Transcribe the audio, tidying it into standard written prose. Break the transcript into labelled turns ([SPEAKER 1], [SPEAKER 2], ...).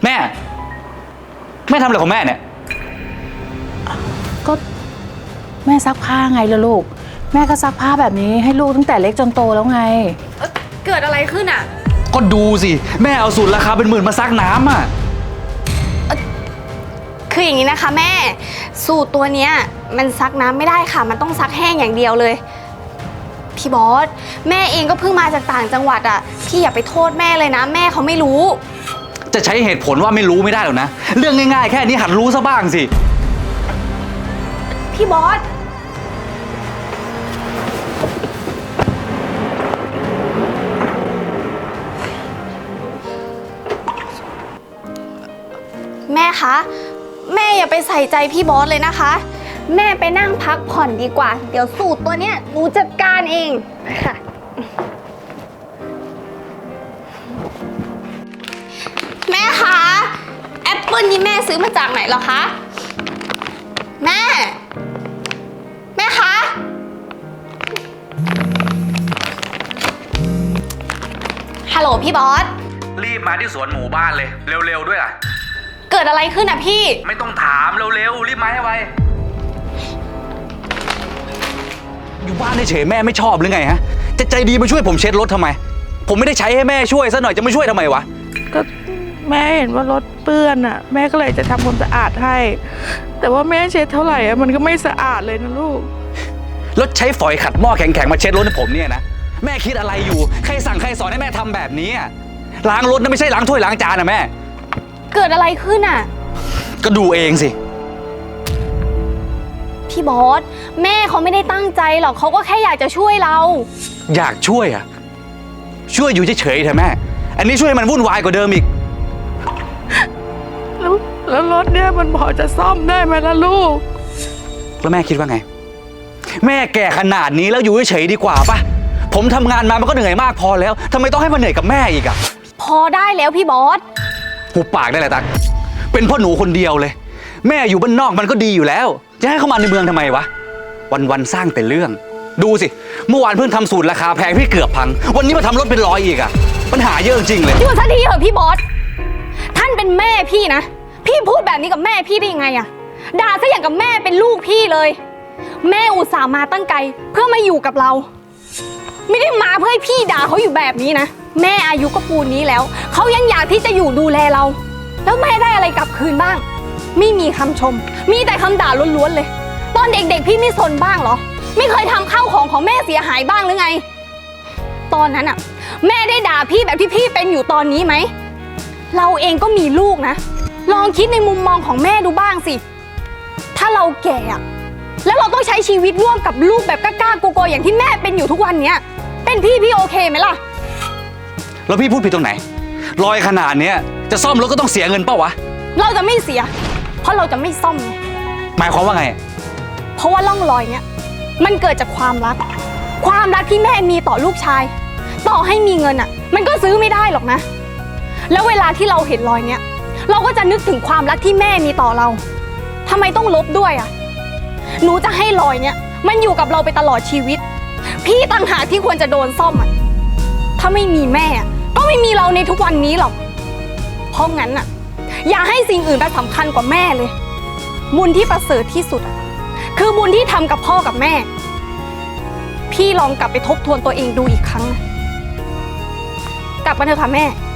[SPEAKER 1] แม่ทำอะไรของแม่เนี่ย
[SPEAKER 2] ก็แม่ซักผ้าไงล่ะลูกแม่ก็ซักผ้าแบบนี้ให้ลูกตั้งแต่เล็กจนโตแล้วไง
[SPEAKER 3] เกิดอะไรขึ้นอ่ะ
[SPEAKER 1] ก็ดูสิแม่เอาสูตรราคาเป็นหมื่นมาซักน้ำอ่ะ
[SPEAKER 3] คืออย่างนี้นะคะแม่สูตรตัวเนี้ยมันซักน้ำไม่ได้ค่ะมันต้องซักแห้งอย่างเดียวเลยพี่บอสแม่เองก็เพิ่งมาจากต่างจังหวัดอ่ะพี่อย่าไปโทษแม่เลยนะแม่เขาไม่รู้
[SPEAKER 1] จะใช้เหตุผลว่าไม่รู้ไม่ได้หรอกนะเรื่องง่ายๆแค่นี้หัดรู้ซะบ้างสิ
[SPEAKER 3] พี่บอสแม่คะแม่อย่าไปใส่ใจพี่บอสเลยนะคะแม่ไปนั่งพักผ่อนดีกว่าเดี๋ยวสูตรตัวเนี้ยหนูจัดการเองค่ะแม่คะแอปเปิลนี่แม่ซื้อมาจากไหนเหรอคะแม่คะฮัลโหลพี่บอส
[SPEAKER 1] รีบมาที่สวนหมู่บ้านเลยเร็วๆด้วยล่ะ
[SPEAKER 3] เกิดอะไรขึ้นอ่ะพี่
[SPEAKER 1] ไม่ต้องถามเร็วๆรีบมาให้ไวอยู่บ้านเฉยแม่ไม่ชอบหรือไงฮะจะใจดีมาช่วยผมเช็ดรถทำไมผมไม่ได้ใช้ให้แม่ช่วยซะหน่อยจะมาช่วยทำไมวะ
[SPEAKER 2] ก็แม่เห็นว่ารถเปื้อนอ่ะแม่ก็เลยจะทำความสะอาดให้แต่ว่าแม่เช็ดเท่าไหร่อ่ะมันก็ไม่สะอาดเลยนะลูก
[SPEAKER 1] รถใช้ฝอยขัดหม้อแข็งๆมาเช็ดรถให้ผมเนี่ยนะแม่คิดอะไรอยู่ใครสั่งใครสอนให้แม่ทำแบบนี้ล้างรถนะไม่ใช่ล้างถ้วยล้างจานนะแม่
[SPEAKER 3] เกิดอะไรขึ้นอ่ะ
[SPEAKER 1] ก็ดูเองสิ
[SPEAKER 3] พี่บอสแม่เขาไม่ได้ตั้งใจหรอกเขาก็แค่อยากจะช่วยเรา
[SPEAKER 1] อยากช่วยอ่ะช่วยอยู่เฉยๆเถอะแม่อันนี้ช่วยมันวุ่นวายกว่าเดิมอีก
[SPEAKER 2] แล้วรถเนี่ยมันพอจะซ่อมได้ไหมล่ะลูก
[SPEAKER 1] แล้วแม่คิดว่าไงแม่แก่ขนาดนี้แล้วอยู่เฉยๆดีกว่าป่ะผมทำงานมามันก็เหนื่อยมากพอแล้วทำไมต้องให้มันเหนื่อยกับแม่อีกอ่ะ
[SPEAKER 3] พอได้แล้วพี่บอส
[SPEAKER 1] หุบปากได้เลยตั๊กเป็นพ่อหนูคนเดียวเลยแม่อยู่บ้านนอกมันก็ดีอยู่แล้วจะให้เข้ามาในเมืองทำไมวะวันๆสร้างแต่เรื่องดูสิเมื่อวานเพิ่งทำสูตรราคาแพงพี่เกือบพังวันนี้มาทำรถเป็น100อีกอ่ะปัญหาเยอะจริงเลย
[SPEAKER 3] อยู่ซะทีเถอะพี่บอสท่านเป็นแม่พี่นะพี่พูดแบบนี้กับแม่พี่ได้ยังไงอะด่าซะอย่างกับแม่เป็นลูกพี่เลยแม่อุตส่าห์มาตั้งไกลเพื่อมาอยู่กับเราไม่ได้มาเพื่อให้พี่ด่าเขาอยู่แบบนี้นะแม่อายุก็ปูนนี้แล้วเขายังอยากที่จะอยู่ดูแลเราแล้วแม่ได้อะไรกลับคืนบ้างไม่มีคำชมมีแต่คำด่าล้วนๆเลยตอนเด็กๆพี่ไม่สนบ้างเหรอไม่เคยทำข้าวของแม่เสียหายบ้างหรือไงตอนนั้นอะแม่ได้ด่าพี่แบบที่พี่เป็นอยู่ตอนนี้ไหมเราเองก็มีลูกนะลองคิดในมุมมองของแม่ดูบ้างสิถ้าเราแก่อะแล้วเราต้องใช้ชีวิตร่วมกับลูกแบบกล้าๆโกๆอย่างที่แม่เป็นอยู่ทุกวันเนี้ยเป็นพี่โอเคไหมล่ะ
[SPEAKER 1] แล้วพี่พูดผิดตรงไหนรอยขนาดเนี้ยจะซ่อมรถก็ต้องเสียเงินเปล่าวะ
[SPEAKER 3] เราจะไม่เสียเพราะเราจะไม่ซ่อมไง
[SPEAKER 1] หมายความว่าไง
[SPEAKER 3] เพราะว่าร่องรอยเนี้ยมันเกิดจากความรักที่แม่มีต่อลูกชายต่อให้มีเงินอ่ะมันก็ซื้อไม่ได้หรอกนะแล้วเวลาที่เราเห็นรอยเนี้ยเราก็จะนึกถึงความรักที่แม่มีต่อเราทำไมต้องลบด้วยอ่ะหนูจะให้รอยเนี้ยมันอยู่กับเราไปตลอดชีวิตพี่ต่างหากที่ควรจะโดนซ่อมอ่ะถ้าไม่มีแม่ก็ไม่มีเราในทุกวันนี้หรอกเพราะงั้นอ่ะอย่าให้สิ่งอื่นมาสำคัญกว่าแม่เลยบุญที่ประเสริฐที่สุดอ่ะคือบุญที่ทำกับพ่อกับแม่พี่ลองกลับไปทบทวนตัวเองดูอีกครั้งนะกลับมาเถอะค่ะแม่